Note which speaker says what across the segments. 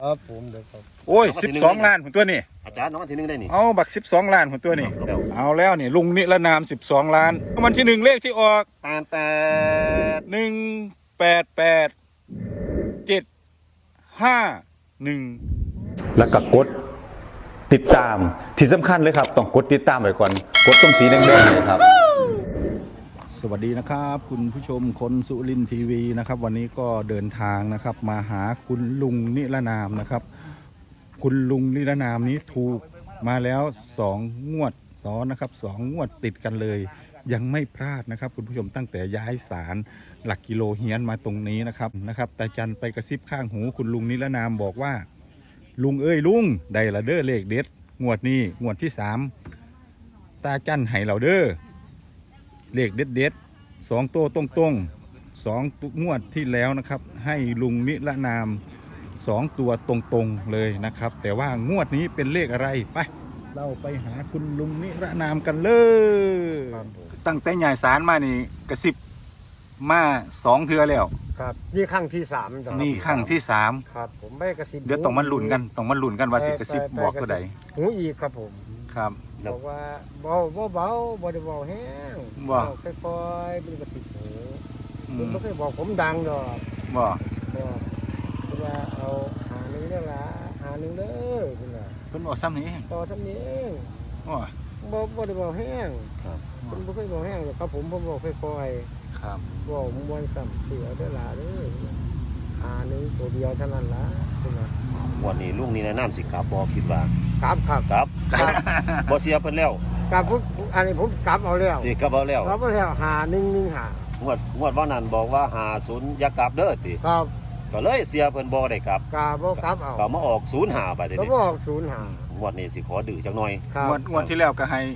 Speaker 1: ครับผมเดี๋ยวครับ
Speaker 2: โอ้ย12 ล้านของตัวนี่
Speaker 3: อาจารย์น้องวันที่หนึ่งได้นี่
Speaker 2: เอาบัก12 ล้านของตัวนี่เอาแล้วนี่ลุงนิรนาม12 ล้านวันที่1เลขที่ออก
Speaker 3: แต่
Speaker 2: 1887751
Speaker 4: แล้วก็กดติดตามที่สำคัญเลยครับต้องกดติดตามไว้ก่อนกดตรงสีแดงๆเลยครับ
Speaker 2: สวัสดีนะครับคุณผู้ชมคนสุรินทร์ทีวีนะครับวันนี้ก็เดินทางนะครับมาหาคุณลุงนิรนามนะครับคุณลุงนิรนามนี้ถูกมาแล้ว2 งวดซ้อนนะครับ2 งวดติดกันเลยยังไม่พลาดนะครับคุณผู้ชมตั้งแต่ย้ายศาลหลักกิโลเฮียนมาตรงนี้นะครับตาจันไปกระซิบข้างหูคุณลุงนิรนามบอกว่าลุงเอ้ยลุงได้ละเด้อเลขเด็ดงวดนี้งวดที่3ตาจันให้เราเด้อเลขเด็ด2 ตัวตรง2 งวดที่แล้วนะครับให้ลุงนิรนาม2 ตัวตรงเลยนะครับแต่ว่างวดนี้เป็นเลขอะไรไปเราไปหาคุณลุงนิรนามกันเลยตั้งแต่ใหญ่สารมานี่กระซิบมา2 เทื่อแล้ว
Speaker 1: ครับนี่ครั้งที่3
Speaker 2: นี่ครั้งที่3
Speaker 1: ครับผมไม่กระซิบ
Speaker 2: เดี๋ยวต้องมาลุ้นกันว่าสิกระซิบบอกตัวใด
Speaker 1: หูอีกครับผม
Speaker 2: ครับ
Speaker 1: บอกว่าเบาบ่ได้เบาแห้งค่อยๆเป็นกระซิบหูคุณไม่เคยบอกผมดังดอก
Speaker 2: บ่
Speaker 1: คุณว่าเอาหาหนึ่งเนี่ยละหาหนึ่งเด้อคุณว่า
Speaker 2: เพิ่นบอกซ้ำนี้
Speaker 1: ต่อซ้ำนี้เองบ่ได้เบาแห้งคุณไม่เคยเบาแห้งหรอกครับผมบอกค่อยๆ
Speaker 2: ครับ
Speaker 1: บอกมวนซ้ำเสือได้ละเด้อหาหนึ่งตัวเดียวเท่านั้นละคุณว่า
Speaker 3: วันนี้ลุงนี่แนะนำสิครับบอกคิดว่า
Speaker 1: ครับ
Speaker 3: บ่เสียเพิ่นแล้ว
Speaker 1: ครับผมอันนี้ผมกลับเอาแล้ว
Speaker 3: นี่กลับเอาแล้ว
Speaker 1: หา115
Speaker 3: งวดว่านั้นบอกว่า50อย่ากลับเด้อติ
Speaker 1: ครับ
Speaker 3: ก็เลยเสียเพิ่นบ่ได้กลับ
Speaker 1: บ่กลับเอา
Speaker 3: ก็มาออก05ไปเด้
Speaker 1: ก็ออก05
Speaker 3: งวดนี้สิขอดื้อจักหน่อย
Speaker 2: งวดที่แล้วก็ให้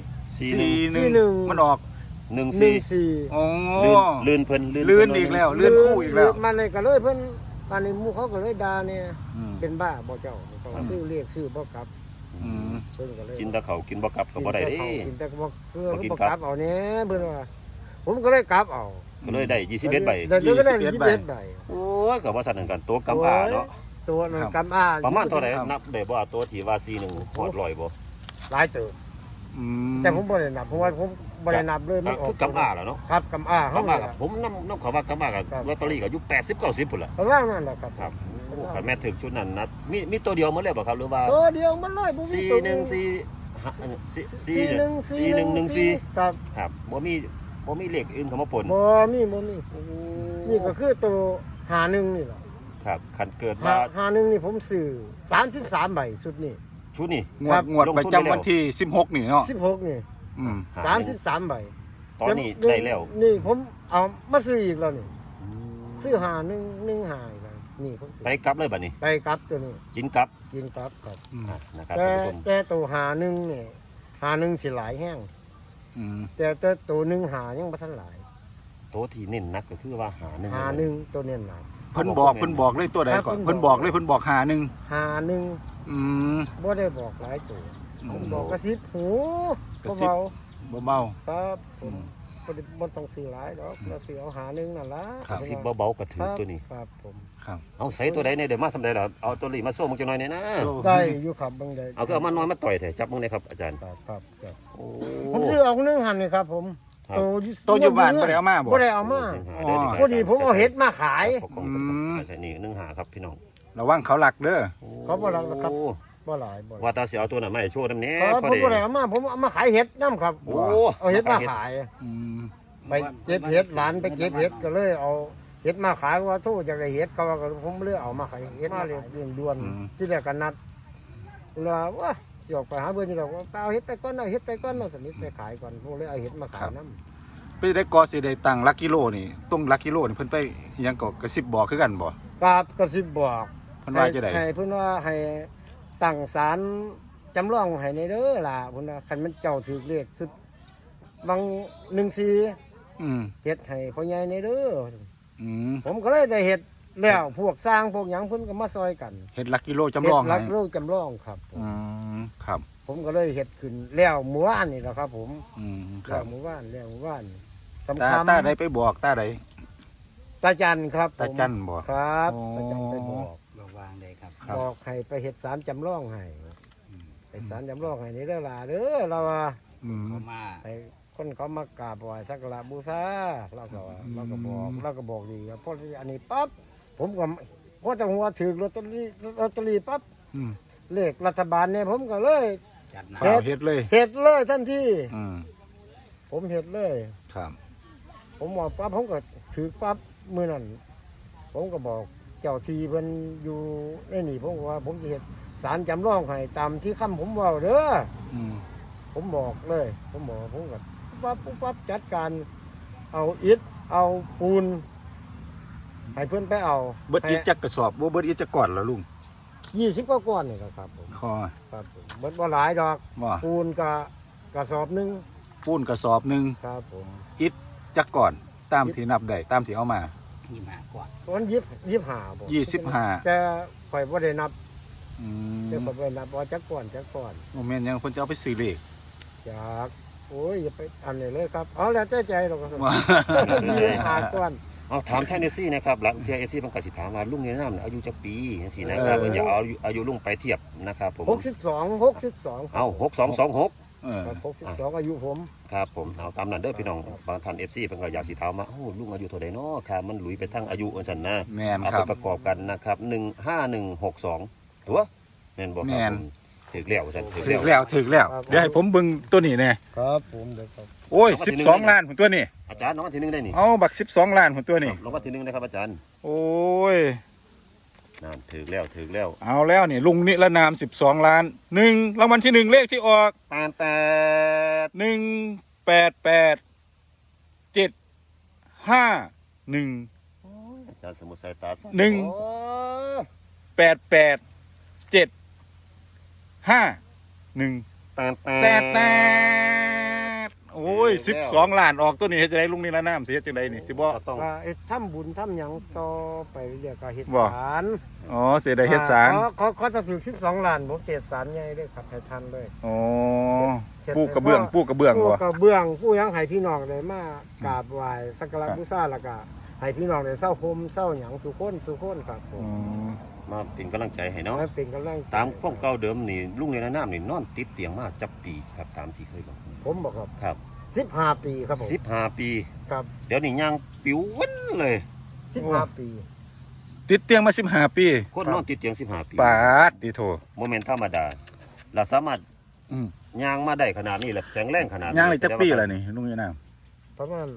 Speaker 2: 41มันออก
Speaker 3: 14
Speaker 2: อ๋อ
Speaker 3: ลื่นเพิ่น
Speaker 2: ลื่นอีกแล้วลื่นคู่อีกแล้ว
Speaker 1: มันเลยก็เลยเพิ่นตอนนี้หมู่เขาก็เลยด่าเนี่ยเป็นบ้าบ่เจ้าซื้อเรียกซื้อบ่กลับ
Speaker 3: กินแต่เขากินบ่กลับก็บ่ได้เด้
Speaker 1: กินแต่บ่บ่กลับเอาเนี่ยเพิ่นว่าผมก็เลยกลับเอา
Speaker 3: ก็เลยได้21ใบ
Speaker 1: ได้21ใบ
Speaker 3: โอ้ยก็ว่าซั่นกันตัวกำอ้าเนาะ
Speaker 1: ตัวนั้นกำอ้า
Speaker 3: ประมาณเท่าไหร่นับได้บ่ตัวที่ว่า41ฮอด100บ่
Speaker 1: หลายเติบแต่ผมบ่ได้นับเพราะว่าผมบ่ได้นับเลย
Speaker 3: มันคือกำอ้าแล้วเนาะ
Speaker 1: ครับกำอ้า
Speaker 3: เขาผมนำเขาว่ากำอ้ากับลอตเตอรี่ก็อยู่80 90พุ่นล่ะ
Speaker 1: ประมาณนั้นแหละครับ
Speaker 3: โอ้คันแม่ถึงชุดนั้นนะมีตัวเดียวหมดเลยบ่ครับหรือว่า
Speaker 1: ตัวเดียวมันเลยบ่มีตัว
Speaker 3: 4114ครับบ่มีเลขอื่นเข้ามาปน
Speaker 1: บ่มีนี่ก็คือตัว51นี่ล่ะ
Speaker 3: ครับคันเกิดว่า
Speaker 1: 51นี่ผมซื้อ33ใบชุดนี้
Speaker 2: งวดประจำวันที่16นี่เนาะ
Speaker 1: 16นี่33ใบ
Speaker 3: ตอนนี้ได้แล้ว
Speaker 1: นี่ผมเอามาซื้ออีกแล้วนี่ซื้อ5115อีกแล้วนี่ผม
Speaker 3: ไปกลับเลยบัดนี้
Speaker 1: ไปกลับตัวนี้
Speaker 3: กินกลับ
Speaker 1: ครับ
Speaker 3: นะครับ
Speaker 1: แต่ตัว51นี่51สิหลายแห้งแต่ตัว1หายังบ่ทันหลาย
Speaker 3: ตัวที่เน้นนักก็คือว่า
Speaker 1: 51ตัวเน้นหลาย
Speaker 2: เพิ่นบอกเลยตัวใดก่อนเพิ่นบอก51
Speaker 1: บ่ได้บอกหลายตัวผมบอกกระซิบหู
Speaker 2: เบา
Speaker 1: ครับผมบ่ต้องซื้อหลายดอกเราซื้อเอา51นั่นล่ะ
Speaker 3: สิเบาๆก็ถือตัวนี้
Speaker 1: ครับผม
Speaker 2: ครับ
Speaker 3: เอาใส่ตัวใดเนี่ยเดี๋ยวมาทำได้ล่ะเอาตัวนี้มาโซ่มึงจังหน่อยเนี่ยนะ
Speaker 1: ได้อยู่ครับบางใด
Speaker 3: เอาก็เอามาน้อยมาต่อยแท้จับมึงเลยครับอาจารย์
Speaker 1: ครับโอ้ผมซื้อเอา1หันนี่ครับผม
Speaker 2: ตัวอยู่บ้านบ่ได้เอามา
Speaker 1: บ่ได้เอามาพอดีผมเอาเห็ดมาขาย
Speaker 3: นี่1หาครับพี่น้อง
Speaker 2: ระวังเขาหลักเด้อ
Speaker 1: เขาบ่หลักครับบ่หลาย
Speaker 3: ว่าตาสิเอาตัวน่ะมาให้โชว์นำแน่
Speaker 1: พอดีผมบ่ได้เอามาผมเอามาขายเห็ดนำครับเอาเห็ดมาขายไปเก็บเห็ดหลานไปเก็บเห็ดก็เลยเอาเห็ดมาขายว่าโทษจากได้เห็ดเขาว่าผมเลยเอามาขายเห็ดมาเรียงด่วนที่แรกก็นัดว่าสิออกไปหาเบิ่นนี่ดอกว่าเอาเห็ดไปก่อนเอาเห็ดไปก่อนเอาสนิทไปขายก่อนผมเลยเอาเห็ดมาขายนำ
Speaker 2: ไปได้กอสิได้ตั้งหลักกิโลนี่ตรงหลักกิโลนี่เพิ่นไปอิหยังก็กระซิบบอกคือกันบ่
Speaker 1: ครับกระซิบบอก
Speaker 2: เพิ่นว่าจังได๋
Speaker 1: ให้เพิ่นว่าให้ตั้งศาลจำลองให้ในเด้อล่ะเพิ่นว่าคันมันเจ้าถือเลขสุดบาง14เฮ็ดให้พ่อใหญ่ในเด้อผมก็เลยได้เฮ็ดแล้วพวกสร้างพวกหยังเพิ่นก็มาซอยกัน
Speaker 2: เฮ็ดหลักกิโลจำลอง
Speaker 1: หลักกิโลจำลองครับ
Speaker 2: ครับ
Speaker 1: ผมก็เลยเฮ็ดขึ้นแล้วเมื่อวานนี่แหละครับผมครับเมื่อวาน
Speaker 2: ตาใดไปบอกตาใด
Speaker 1: ตาจันครับ
Speaker 2: ตาจันบอก
Speaker 1: ครับตาจันไปบอก
Speaker 3: วางได้ครับ
Speaker 1: บอกให้ไปเฮ็ดศาลจำลองให้ไปศาลจำลองให้นี่เด้อล่ะเด้อเราว่า
Speaker 2: อืม
Speaker 1: ไปคนเขามากราบไหว้สักการะบูชาเราก็ว่าเราก็บอกดีครับเพราะอันนี้ปั๊บผมก็พอจะหัวถือลอตเตอรี่ปั๊บ
Speaker 2: อืม
Speaker 1: เลขรัฐบาลเนี่ยผมก็เลย
Speaker 2: ข่าวเฮ็ดเลย
Speaker 1: เฮ็ดเลยทันที
Speaker 2: อืม
Speaker 1: ผมเฮ็ดเลย
Speaker 2: ครับ
Speaker 1: ผมบอกปั๊บผมก็ถือปั๊บมือนั่นผมก็บอกเจ้าทีเพิ่นอยู่ในนี่ผมก็ว่าผมจะเฮ็ดศาลจำลองให้ตามที่คำผมเว้าเด้อ
Speaker 2: อืม
Speaker 1: ผมบอกเลยผมบอกผมก็ปั๊บจัดการเอาอิฐเอาปูนให้เพื่อนไปเอา
Speaker 2: เบิดอีกจักกระสอบบ่เบิดอีกจักก่อนแล้วลุง
Speaker 1: 20กว่าก้อนนี่ครับผม
Speaker 2: คอ
Speaker 1: ครับผมเบิดบ่หลายดอก
Speaker 2: ว่า
Speaker 1: ปูนก็กระสอบหนึง
Speaker 2: ปูนกระสอบหนึง
Speaker 1: ครับผม
Speaker 2: อิฐจักก่อนตามที่นับได้ตามที่เอามา
Speaker 1: วัน25บ่
Speaker 2: 25
Speaker 1: แต่ข่อยบ่ได้นับ
Speaker 2: อืม
Speaker 1: แต่ข่อยบ่ได้นับว่าจักก้อน
Speaker 2: โมเมนต์ยังเพิ่นจะเอาไปซื้อเลข
Speaker 1: จากโอ้ยอย่าไปอันนี้เลยครับเอาแล้วใจดอกครับ
Speaker 2: ว่า
Speaker 1: 25ก้อน
Speaker 3: เอาถามแทนเอซี่นะครับหลังเทียเอซี่มันก็สิถามว่าลุงนี่น้ำอายุจักปีจังซี่นะครับอย่าเอาอายุลุงไปเทียบนะครับผม
Speaker 1: 62
Speaker 3: เอา6226
Speaker 2: เออ
Speaker 1: ครับ62อายุผม
Speaker 3: ครับผมเอาตามนั้นเด้อพี่น้องบางท่านเอฟซีเพิ่นก็อยากสิถามว่าโอ้ลุงอายุเท่าใดเนาะค่ะมันหลุยไปทั้งอายุอันซั่นนะ
Speaker 2: แม่น
Speaker 3: เอา
Speaker 2: ค
Speaker 3: ไป
Speaker 2: รับ
Speaker 3: ประกอบกันนะครับ15162ตัวแม่นบ่ค
Speaker 2: แม่
Speaker 3: รับ
Speaker 2: น
Speaker 3: ผมถึกแล้วซั่นถึก
Speaker 2: ถึ
Speaker 3: แล้ว
Speaker 2: กแล้วเดี๋ยวให้ผมเบิ่งตัวนี้แน่
Speaker 1: ครับผมเดี๋ยวครับ
Speaker 2: โอ้ย12 ล้านผมตัวนี้
Speaker 3: อาจารย์น้องอันที่หนึ่งได้นี่
Speaker 2: เอาบัก12 ล้านผมตัวนี้
Speaker 3: รางวัลที่หนึ่งนะครับอาจารย์
Speaker 2: โอ้ย
Speaker 3: นั่นถึกแล้วถึกแล้ว
Speaker 2: เอาแล้วนี่ลุงนิรนาม12 ล้าน1รางวัลที่ 1 เลขที่ออก
Speaker 3: แต่
Speaker 2: 188751
Speaker 3: อาจารย์สมุทรสายตาสั้
Speaker 2: หนึ่ง
Speaker 3: โอ้
Speaker 2: 8875 แต่โอ้ย12 ล้านออกตัวนี้เฮ็ดจังไดลุงนิรนามสิเฮ็ดจังไดนี่สิบ่
Speaker 3: ก็ต้อง
Speaker 1: ก็ทำบุญทำหยังต่อไปเรียกก็เฮ็ด
Speaker 2: บ่
Speaker 1: ศาล
Speaker 2: อ๋อสิได้เฮ็ดศาล
Speaker 1: เขาจะซื้อ12ล้านผมเฮ็ดศาลใหญ่เด้อครับให้ทันเลย
Speaker 2: อ๋อปูกระเบื้องบ่
Speaker 1: ผู้กระเบื้องให้พี่น้องได้มากราบไหว้สักการะบูชาแล้วก็ให้พี่น้องได้เศร้าโฮมเศร้าหยังสุคนครับผ
Speaker 2: อ๋
Speaker 1: ม
Speaker 2: อ
Speaker 3: มาเป็นกำลังใจให้เนาะ
Speaker 1: ให้เป็นกำลังใจ
Speaker 3: ตามความเก่าเดิมนี่ลุงในน้ำนี่นอนติดเตียงมาจับปีครับตามที่เคยบอก
Speaker 1: ผมบอกครับ
Speaker 3: ครับ
Speaker 1: 15 ปีครับผม
Speaker 3: 15 ปี
Speaker 1: ครับ
Speaker 3: เดี๋ยวนี้ย่างปิววันเลย
Speaker 1: 15 ปี
Speaker 2: ติดเตียงมา15 ปี
Speaker 3: คนนอนติดเตียง15 ปี
Speaker 2: ปาดติโท
Speaker 3: โมเมนต์ธรรมดาเราสามารถ
Speaker 2: อืม
Speaker 3: ย่างมาได้ขนาดนี้แหละแข็งแรงขนาดนี้
Speaker 2: ย่างเลยจักปีแล้วนี่ลุงนิรนาม
Speaker 1: ประมาณ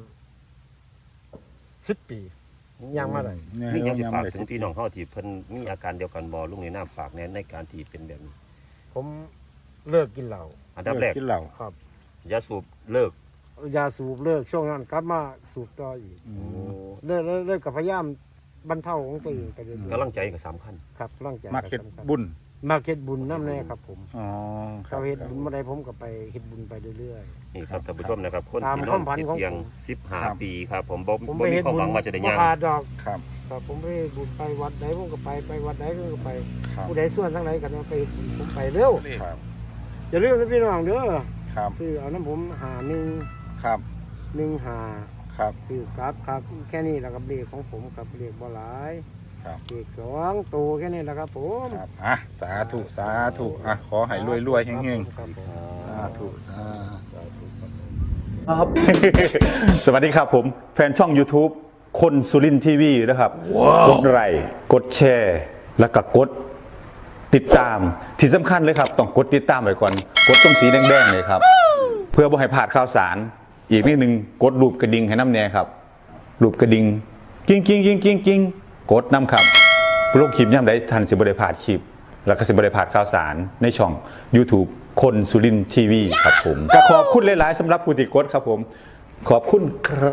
Speaker 1: 10 ปียังมาได้
Speaker 3: นี่ยังสิฝาก
Speaker 2: ได้
Speaker 3: ถึงพี่น้องเขาที่เพิ่นมีอาการเดียวกันบ่ลุงในน้ำฝากในการที่เป็นแบบนี้
Speaker 1: ผมเลิกกินเหล้า
Speaker 3: อันดับแรก
Speaker 2: กินเหล้า
Speaker 1: ครับ
Speaker 3: ยาสูบเลิก
Speaker 1: ยาสูบเลิกช่วงนั้นกลับมาสูบต่ออีก
Speaker 2: อืม
Speaker 1: เลิกกับพยายามบรรเทาของตัวเองไปเรื่อย
Speaker 3: กำลังใจก็สำคัญ
Speaker 1: ๆครับร่างใจ
Speaker 2: มักเฮ็ด
Speaker 1: สำคัญ
Speaker 2: บุญ
Speaker 1: มาเฮ็ดบุญน้ำแน่ครับผม
Speaker 2: อ๋อครั
Speaker 1: เขา
Speaker 2: บ
Speaker 1: เฮ็ดบุญเมื่อใดผมก็ไปเฮ็ดบุญไปเรื่อย
Speaker 3: นี่ครับท่านผู้ชมนะครับ คน
Speaker 1: ตาม
Speaker 3: ที่น
Speaker 1: ค
Speaker 3: อ
Speaker 1: วาน มฝัน
Speaker 3: ติด
Speaker 1: ของ
Speaker 3: เตียง
Speaker 1: ผม
Speaker 3: 15 ปีครับผมบ่
Speaker 1: ๆผม
Speaker 3: บ่
Speaker 1: ไป
Speaker 3: มี
Speaker 1: เฮ็ด
Speaker 3: ความ
Speaker 1: บุ
Speaker 3: ห
Speaker 1: ญ
Speaker 3: วังว่าจะได้
Speaker 1: บ่
Speaker 3: ย่าง
Speaker 1: ขาดดอก
Speaker 2: ครับ
Speaker 1: ครับผมไปเฮ็ดบุญไปวัดไหนผมก็ไปวัดไหนผมก็ไป
Speaker 2: ครับ
Speaker 1: ผู้ใดส่วนทางไหนกันไปเฮ็ดบุญผมไปเร็ว
Speaker 2: ครับ
Speaker 1: อย่าลืมนะพี่น้องเด้อ
Speaker 2: ครับ
Speaker 1: ซื้อเอาน้ำผม
Speaker 2: ครับ
Speaker 1: 1
Speaker 2: ครับ
Speaker 1: ซื้อกลับครับแค่นี้แหละครับเลขของผมครับเลขบ่หลาย
Speaker 2: ครับ
Speaker 1: เลข2ตัวแค่นี้แหละครับผม
Speaker 2: ครับอ่ะสาธุสาธุอ่ะขอให้รวยๆเฮง
Speaker 1: ครับผม
Speaker 2: ๆสาธุสาธุ
Speaker 4: ครับ สวัสดีครับผมแฟนช่อง YouTube คนสุรินทีวีนะครับกดไลค์กดแชร์ แล้วก็กดติดตามที่สำคัญเลยครับ ต้องกดติดตามไว้ก่อน กดตรงสีแดงๆเลยครับ เพื่อบ่ให้พลาดข่าวสาร อีกนิดนึงกดรูปกระดิ่งให้น้ำแน่ครับรูปกระดิ่งกิ้งกิ้งกิ้งกิ้งกิ้งกดน้ำครับโลกคลิปย่ำได้ทันสิบริพลาดคลิป แล้วก็สิบริพลาดข่าวสารในช่อง YouTube คนสุรินทีวีครับผมก็ขอบคุณหลายๆสำหรับผู้ติดกดครับผมขอบคุณครับ